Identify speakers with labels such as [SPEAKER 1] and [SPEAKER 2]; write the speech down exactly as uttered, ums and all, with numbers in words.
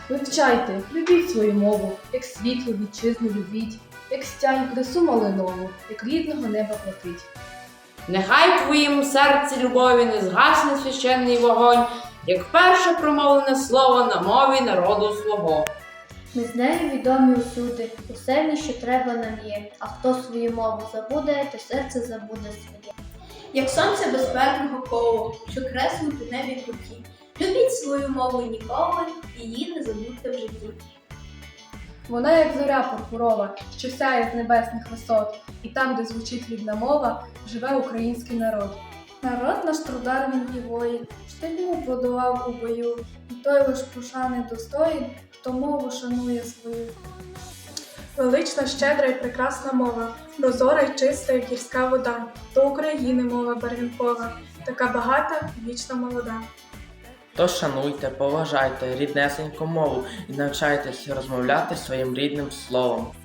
[SPEAKER 1] Вивчайте, любіть свою мову, як світло вітчизну любіть, як стянь красу малинову, як рідного неба платить.
[SPEAKER 2] Нехай в твоїм серці любові не згасне священний вогонь, як перше промовлене слово на мові народу свого.
[SPEAKER 3] Ми з нею відомі усюди, усе в ній, що треба нам є, а хто свою мову забуде, то серце забуде своє.
[SPEAKER 4] Як сонце безперного коло, що креслить у небі круті. Любіть свою мову ніколи, її не забудьте в житті.
[SPEAKER 1] Вона, як зоря пурпурова, що сяє з небесних висот, і там, де звучить рідна мова, живе український народ.
[SPEAKER 5] Народ наш трудар він і воїн, штильну подолав у бою, і той лиш пошани достоїн, хто мову шанує свою.
[SPEAKER 6] Велична, щедра і прекрасна мова, прозора й чиста, як гірська вода, то України мова барвінкова, така багата, вічно молода.
[SPEAKER 7] Тож шануйте, поважайте ріднесеньку мову і навчайтесь розмовляти своїм рідним словом.